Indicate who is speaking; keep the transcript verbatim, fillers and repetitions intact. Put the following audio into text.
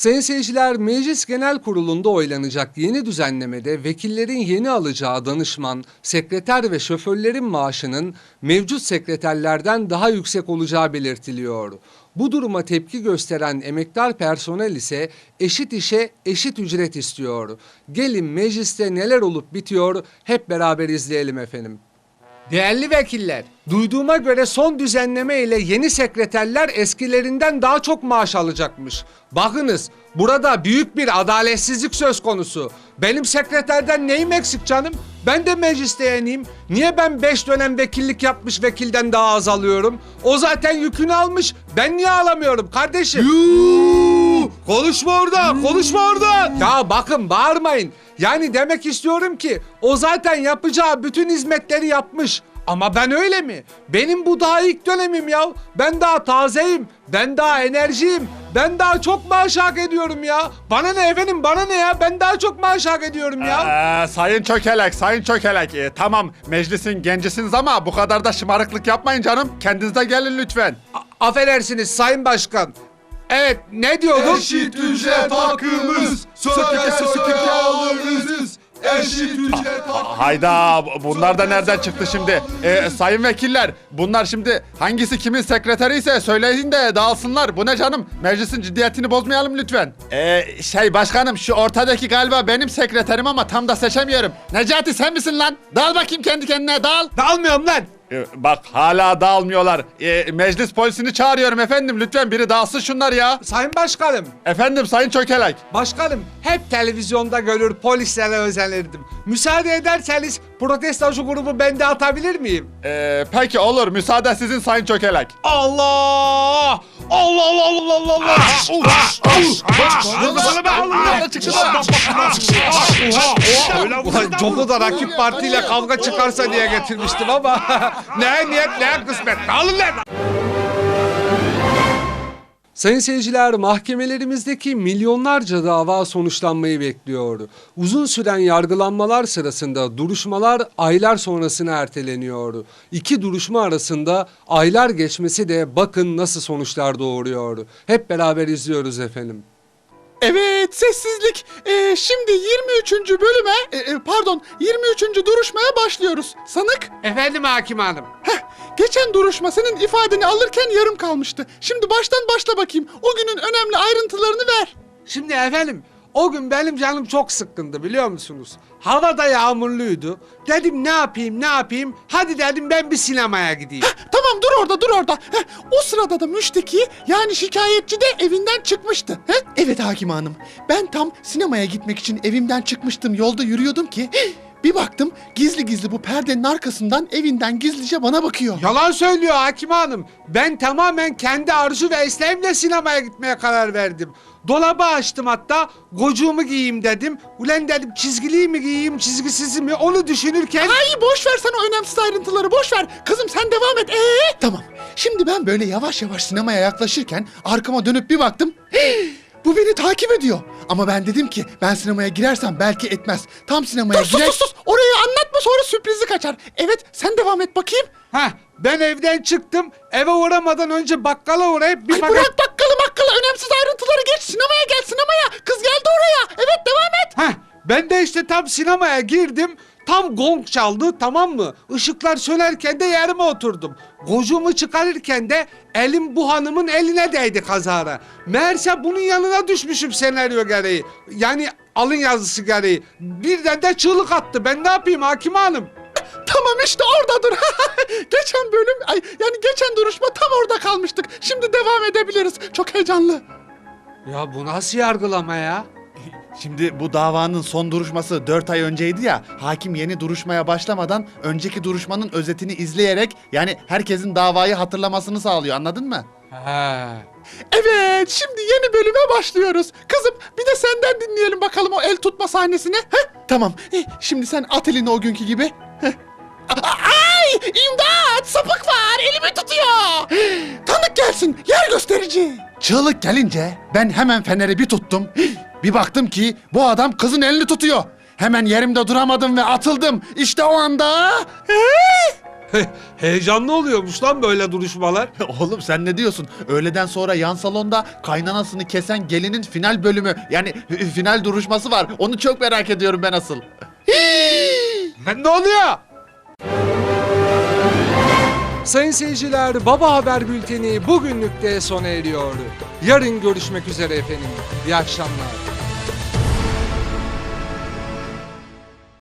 Speaker 1: Sayın seyirciler, Meclis Genel Kurulu'nda oylanacak yeni düzenlemede vekillerin yeni alacağı danışman, sekreter ve şoförlerin maaşının mevcut sekreterlerden daha yüksek olacağı belirtiliyor. Bu duruma tepki gösteren emektar personel ise eşit işe eşit ücret istiyor. Gelin mecliste neler olup bitiyor hep beraber izleyelim efendim. Değerli vekiller, duyduğuma göre son düzenleme ile yeni sekreterler eskilerinden daha çok maaş alacakmış. Bakınız, burada büyük bir adaletsizlik söz konusu. Benim sekreterden neyim eksik canım? Ben de mecliste yeniyim. Niye ben beş dönem vekillik yapmış vekilden daha az alıyorum? O zaten yükünü almış. Ben niye alamıyorum kardeşim? Yuuu! Konuşma orada, konuşma orada. Ya bakın bağırmayın. Yani demek istiyorum ki o zaten yapacağı bütün hizmetleri yapmış. Ama ben öyle mi? Benim bu daha ilk dönemim ya. Ben daha tazeyim. Ben daha enerjiyim. Ben daha çok maaş hak ediyorum ya. Bana ne efendim, bana ne ya? Ben daha çok maaş hak ediyorum ya.
Speaker 2: Ee, sayın Çökelek, sayın Çökelek. Ee, tamam, meclisin gencisiniz ama bu kadar da şımarıklık yapmayın canım. Kendinize gelin lütfen.
Speaker 1: A- affedersiniz sayın başkan. Evet, ne diyordum?
Speaker 3: Eşit ücret hakkımız, söke söke alırız. Eşit ücret hakkımız.
Speaker 2: Hayda, bunlar da nereden çıktı şimdi? Ee, sayın vekiller, bunlar şimdi hangisi kimin sekreteri ise söyleyin de dağılsınlar. Bu ne canım? Meclisin ciddiyetini bozmayalım lütfen. Ee, şey başkanım, şu ortadaki galiba benim sekreterim ama tam da seçemiyorum. Necati sen misin lan? Dağıl bakayım kendi kendine, dağıl.
Speaker 1: Dağılmıyorum lan.
Speaker 2: Ee, bak hala dağılmıyorlar. Ee, meclis polisini çağırıyorum efendim. Lütfen biri dağılsın şunlar ya.
Speaker 1: Sayın başkanım.
Speaker 2: Efendim sayın Çökelek.
Speaker 1: Başkanım, hep televizyonda görür polislere özenirdim. Müsaade ederseniz protestocu grubu ben de atabilir miyim?
Speaker 2: Ee, peki olur. Müsaade sizin sayın Çökelek.
Speaker 1: Allah! Allah Allah Allah Allah Allah! Ulan Coku da rakip partiyle kavga çıkarsa diye getirmiştim ama ne niyet ne kısmet. Alın lan! Sayın seyirciler, mahkemelerimizdeki milyonlarca dava sonuçlanmayı bekliyor. Uzun süren yargılanmalar sırasında duruşmalar aylar sonrasına erteleniyor. İki duruşma arasında aylar geçmesi de bakın nasıl sonuçlar doğuruyor. Hep beraber izliyoruz efendim.
Speaker 4: Evet, sessizlik. Ee, şimdi yirmi üçüncü bölüme, e, e, pardon yirmi üçüncü duruşmaya başlıyoruz. Sanık,
Speaker 1: Efendim hakim hanım.
Speaker 4: heh, geçen duruşma senin ifadeni alırken yarım kalmıştı. Şimdi baştan başla bakayım. O günün önemli ayrıntılarını ver.
Speaker 1: Şimdi efendim, o gün benim canım çok sıkkındı biliyor musunuz? Hava da yağmurluydu. Dedim ne yapayım ne yapayım? Hadi dedim ben bir sinemaya gideyim.
Speaker 4: Heh, tamam dur orada dur orada. Heh, o sırada da müşteki yani şikayetçi de evinden çıkmıştı. Heh? Evet hakim hanım. Ben tam sinemaya gitmek için evimden çıkmıştım. Yolda yürüyordum ki... heh, bir baktım gizli gizli bu perdenin arkasından evinden gizlice bana bakıyor.
Speaker 1: Yalan söylüyor hakim hanım. Ben tamamen kendi arzu ve isteğimle sinemaya gitmeye karar verdim. Dolabı açtım hatta, gocuğumu giyeyim dedim. Ulan dedim çizgiliyi mi giyeyim, çizgisizi mi onu düşünürken...
Speaker 4: Ay boş ver sen o önemsiz ayrıntıları boş ver. Kızım sen devam et. Ee? Tamam. Şimdi ben böyle yavaş yavaş sinemaya yaklaşırken arkama dönüp bir baktım. Hii, bu beni takip ediyor. Ama ben dedim ki ben sinemaya girersem belki etmez. Tam sinemaya
Speaker 1: Dur,
Speaker 4: girer...
Speaker 1: sus, sus,
Speaker 4: sus. Orayı anlatma sonra sürprizi kaçar. Evet sen devam et bakayım.
Speaker 1: Heh, ben evden çıktım, eve uğramadan önce bakkala uğrayıp bir
Speaker 4: Ay
Speaker 1: paket...
Speaker 4: bırak bakkalı makkalı önemsiz ayrıntıları geç. Sinemaya gel sinemaya. Kız geldi oraya. Evet devam et.
Speaker 1: Heh, ben de işte tam sinemaya girdim. Tam gong çaldı, tamam mı? Işıklar sönerken de yerime oturdum. Gocuğumu çıkarırken de elim bu hanımın eline değdi kazara. Meğerse bunun yanına düşmüşüm senaryo gereği. Yani alın yazısı gereği. Birden de çığlık attı. Ben ne yapayım hakim hanım?
Speaker 4: Tamam işte oradadır. Geçen bölüm, ay yani geçen duruşma tam orada kalmıştık. Şimdi devam edebiliriz. Çok heyecanlı.
Speaker 1: Ya bu nasıl yargılama ya?
Speaker 2: Şimdi bu davanın son duruşması dört ay önceydi ya. Hakim yeni duruşmaya başlamadan önceki duruşmanın özetini izleyerek yani herkesin davayı hatırlamasını sağlıyor. Anladın mı?
Speaker 1: He.
Speaker 4: Evet, şimdi yeni bölüme başlıyoruz. Kızım bir de senden dinleyelim bakalım o el tutma sahnesini. Heh, tamam. Eh, şimdi sen at elini o günkü gibi. Heh. Ay! İmdat! Sapık var! Elimi tutuyor! Tanık gelsin! Yer gösterici! Çığlık gelince ben hemen feneri bir tuttum. Bir baktım ki bu adam kızın elini tutuyor. Hemen yerimde duramadım ve atıldım. İşte o anda...
Speaker 1: Heyecanlı oluyormuş lan böyle duruşmalar.
Speaker 4: Oğlum sen ne diyorsun? Öğleden sonra yan salonda kaynanasını kesen gelinin final bölümü yani final duruşması var. Onu çok merak ediyorum ben asıl.
Speaker 1: Ne oluyor? Sayın seyirciler, Baba Haber Bülteni bugünlük de sona eriyor. Yarın görüşmek üzere efendim. İyi akşamlar.